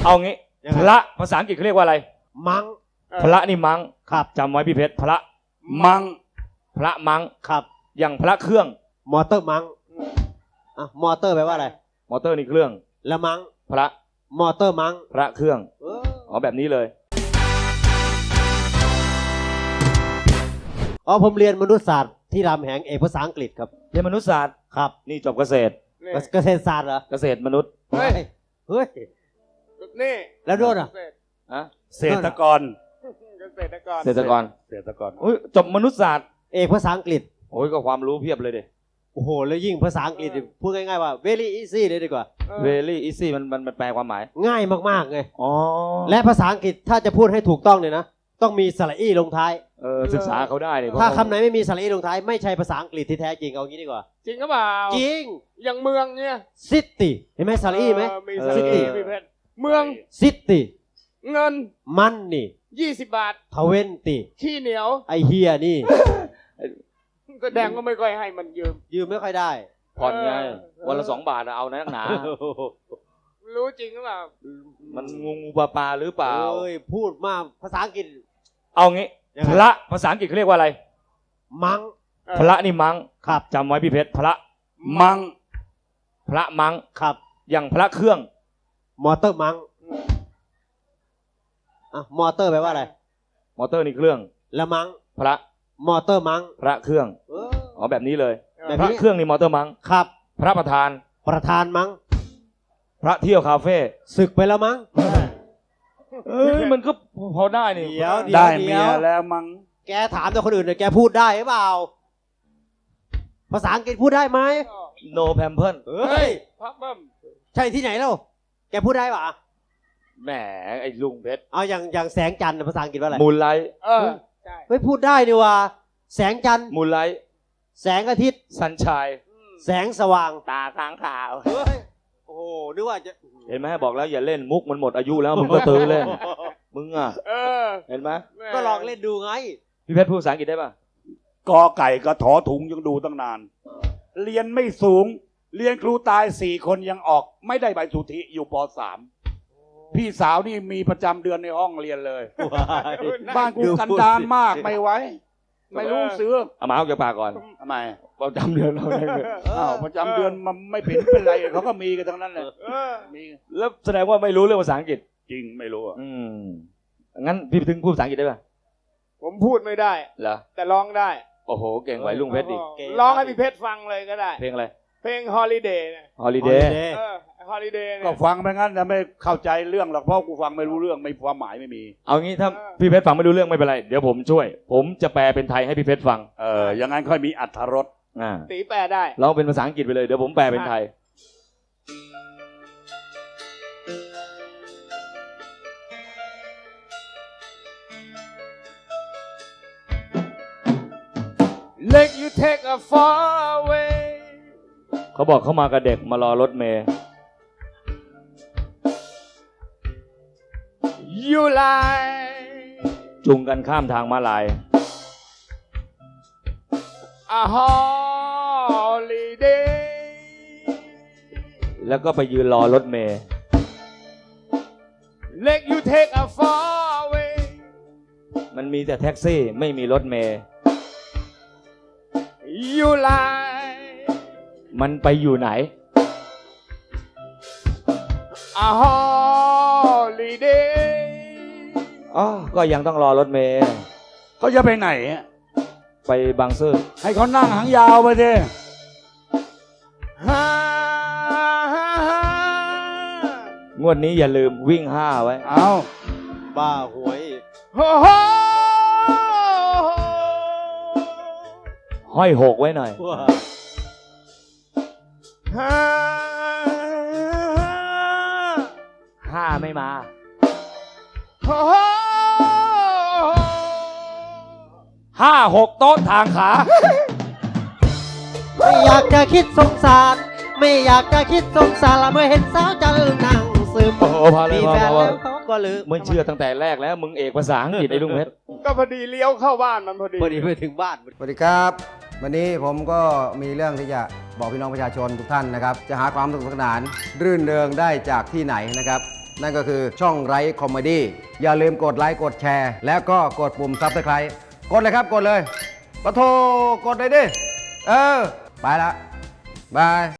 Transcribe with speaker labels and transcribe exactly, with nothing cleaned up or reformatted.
Speaker 1: เอางี้พระภาษาอังกฤษเขาเรียกว่าอะไร
Speaker 2: มัง
Speaker 1: พระนี่มัง
Speaker 2: ครับ
Speaker 1: จำไว้พี่เพชรพระ
Speaker 3: มัง
Speaker 1: พระมัง
Speaker 2: ครับ
Speaker 1: อย่างพระเครื่อง
Speaker 2: มอเตอร์มังอ่ะมอเตอร์แปลว่าอะไร
Speaker 1: มอเตอร์นี่เครื่อง
Speaker 2: แล้วมัง
Speaker 1: พระ
Speaker 2: มอเตอร์มัง
Speaker 1: พระเครื่องอ๋อแบบนี้เลย
Speaker 2: อ๋อผมเรียนมนุษยศาสตร์ที่รามแหงเอกภาษาอังกฤษครับ
Speaker 1: เรียนมนุษยศาสตร์
Speaker 2: ครับ
Speaker 1: นี่จบเกษตร
Speaker 2: เกษตรศาสตร์เหรอ
Speaker 1: เกษตรมนุษย์
Speaker 2: เฮ้ยเฮ้ย
Speaker 3: นี่
Speaker 2: แล้วโดนอ่ะ
Speaker 1: อะ
Speaker 3: เศรษฐกร
Speaker 1: เกษตรกรเกษตรกร
Speaker 3: เกษตรกร
Speaker 1: อุ้ยจบมนุษยศาสตร์
Speaker 2: เอกภาษาอังกฤษ
Speaker 1: โอ้ยก็ความรู้เพียบเลยดิ
Speaker 2: โอ้โหแล้วยิ่งภาษาอังกฤษพูดง่ายๆว่า very easy เลยดีกว่า
Speaker 1: very easy มันมันมันแปลความหมาย
Speaker 2: ง่ายมากๆไง
Speaker 1: อ๋อ
Speaker 2: และภาษาอังกฤษถ้าจะพูดให้ถูกต้องเนี่ยนะต้องมีสระอีลงท้าย
Speaker 1: เออศึกษาเขาได้เลย
Speaker 2: ถ้าคำไหนไม่มีสระอีลงท้ายไม่ใช่ภาษาอังกฤษที่แท้จริงเอางี้ดีกว่า
Speaker 3: จริงหรือเปล่า
Speaker 2: จริง
Speaker 3: อย่างเมืองเนี่ย
Speaker 2: city เห็นไหมสระอีไหม
Speaker 3: ซิตี้เมือง
Speaker 2: city
Speaker 3: เงิน
Speaker 2: มันนี่
Speaker 3: ยี่สิบบาท
Speaker 2: ทเวนตี้
Speaker 3: ขี้เหนียว
Speaker 2: ไอเฮียนี่
Speaker 3: แสดงก็ไม่ค่อยให้มันยืม
Speaker 2: ยืมไม่ค่อยได้
Speaker 1: ผ่อนไงวันละสองบาทเอานะหนา
Speaker 3: รู้จริงหรือเปล่า
Speaker 1: มันงูงูปลาปลาหรือเปล่า
Speaker 2: เอ้ยพูดมากภาษาอังกฤษ
Speaker 1: เอางี้พระภาษาอังกฤษเขาเรียกว่าอะไร
Speaker 2: มัง
Speaker 1: พระนี่มัง
Speaker 2: ครับ
Speaker 1: จำไว้พี่เพชรพระ
Speaker 3: มัง
Speaker 1: พระมัง
Speaker 2: ครับ
Speaker 1: อย่างพระเครื่อง
Speaker 2: มอเตอร์มังอ่ะมอเตอร์แปลว่าอะไร
Speaker 1: มอเตอร์นี่เครื่อง
Speaker 2: แล้วมัง
Speaker 1: พระ
Speaker 2: มอเตอร์มัง
Speaker 1: พระเครื่องอ๋อแบบนี้เลยพระเครื่องนี่มอเตอร์มัง
Speaker 2: ครับ
Speaker 1: พระประธาน
Speaker 2: ประธานมัง
Speaker 1: พระเที่ยวคาเฟ่
Speaker 2: ศึกไปแล้วมัง
Speaker 1: เอ้ยมันก็พอได้นี่
Speaker 2: เดี๋ยว
Speaker 3: ได้เมียแล้วมัง
Speaker 2: แกถามแต่คนอื่นเนี่ยแกพูดได้หรือเปล่าภาษาอังกฤษพูดได้ไหม
Speaker 1: no pamper
Speaker 2: เฮ้ย
Speaker 3: พับบิ้ม
Speaker 2: ใช่ที่ไหนเล่าแกพูดได้ป่ะ
Speaker 1: แหมไอ้ลุงเพชร
Speaker 2: เอาอย่างอย่างแสงจันทร์ภาษาอังกฤษว่าอะไร
Speaker 1: มูลไลท์
Speaker 3: เออ
Speaker 2: ใช่ไม่พูดได้ดีว่าแสงจันทร์
Speaker 1: มูลไลท์
Speaker 2: แสงอาทิตย์
Speaker 1: ซันชัย
Speaker 2: แสงสว่าง
Speaker 1: ตาค้างขาว
Speaker 2: เฮ้ยโอ้โหนึกว่าจะ
Speaker 1: เห็นไหมบอกแล้วอย่าเล่นมุกมันหมดอายุแล้วมึงก็ตื้อเล่นมึงอ่ะเห็นไหม
Speaker 2: ก็ลองเล่นดูไง
Speaker 1: พี่เพชรพูดภาษาอังกฤษได้ป่ะ
Speaker 3: กอไก่ก็ถอถุงยังดูตั้งนานเรียนไม่สูงเรียนครูตายสี่คนยังออกไม่ได้ใบสุทธิอยู่ป.สาม พี่สาวนี่มีประจำเดือนในห้องเรียนเลยบ้านกูกันดารมากไม่ไหวไม่รู้ซื้อ
Speaker 1: เอามาเอาจากปากก่อน
Speaker 3: ทำไม
Speaker 1: ประจำเดือนเราได้เลย
Speaker 3: อ้าวประจำเดือนมันไม่เป็นเป็นไรเขาก็มีกันทั้งนั้นเลย
Speaker 1: มีแล้วแสดงว่าไม่รู้เรื่องภาษาอังกฤษ
Speaker 3: จริงไม่รู้อ่ะ
Speaker 1: อืมงั้นพี่ถึงพูดภาษาอังกฤษได้ป่ะ
Speaker 3: ผมพูดไม่ได้
Speaker 1: เหรอ
Speaker 3: แต่ร้องได้
Speaker 1: โอ้โหเก่งไหวลุงเพชรดิ
Speaker 3: ร้องให้พี่เพชรฟังเลยก็ได้
Speaker 1: เพลงอะไร
Speaker 3: เพลง Holiday นะ
Speaker 1: Holiday
Speaker 3: เออ Holiday ก็ฟังไปงั้นแต่ไม่เข้าใจเรื่องหรอกเพราะกูฟังไม่รู้เรื่องไม่ความหมายไม่มี
Speaker 1: เอางี้ถ้าพี่เพชรฟังไม่รู้เรื่องไม่เป็นไรเดี๋ยวผมช่วยผมจะแปลเป็นไทยให้พี่เพชรฟัง
Speaker 3: เอออย่างนั้นค่อยมีอรรถรส
Speaker 1: อ่า
Speaker 3: ตีแปลได้
Speaker 1: เราเป็นภาษาอังกฤษไปเลยเดี๋ยวผมแปลเป็นไทย
Speaker 3: Let you take a far away
Speaker 1: เขาบอกเขามากับเด็กมารอรถเมล์
Speaker 3: You lie
Speaker 1: จูงกันข้ามทางม้าลาย
Speaker 3: A holiday
Speaker 1: แล้วก็ไปยืนรอรถเมล์
Speaker 3: Let you take a far away
Speaker 1: มันมีแต่แท็กซี่ไม่มีรถเมล์
Speaker 3: You lie
Speaker 1: มันไปอยู่ไหน
Speaker 3: A holiday
Speaker 1: อ๋อก็ยังต้องรอรถเมล์
Speaker 3: เขาจะไปไหน
Speaker 1: ไปบางซื่อ
Speaker 3: ให้เขานั่งหางยาวไปสิ
Speaker 1: งวดนี้อย่าลืมวิ่งห้าไว้
Speaker 3: เอา
Speaker 2: บ้าหวย
Speaker 1: ห้อยหกไว้หน่อยห้าไม่มาห้าหกโต๊ะทางขา
Speaker 2: ไม่อยากจะคิดสงสารไม่อยากจะคิดสงสารละเมื่อเห็นสาวจันนั่งซึม
Speaker 1: โอ้โหพอเลยพอพอ
Speaker 2: ก็ลืม
Speaker 1: มึงเชื่อตั้งแต่แรกแล้วมึงเอกภาษาอังกฤษไอ้ลุงเพชร
Speaker 3: ก็พอดีเลี้ยวเข้าบ้านมันพอดี
Speaker 2: พอดีไปถึงบ้าน
Speaker 4: สวัสดีครับวันนี้ผมก็มีเรื่องที่จะบอกพี่น้องประชาชนทุกท่านนะครับจะหาความสนุกสนานรื่นเริงได้จากที่ไหนนะครับนั่นก็คือช่องไร้คอมเมดี้อย่าลืมกดไลค์กดแชร์ แล้วก็กดปุ่มซับสไครต์กดเลยครับกดเลยปะโทกดเลยดิ เออ ไปละบาย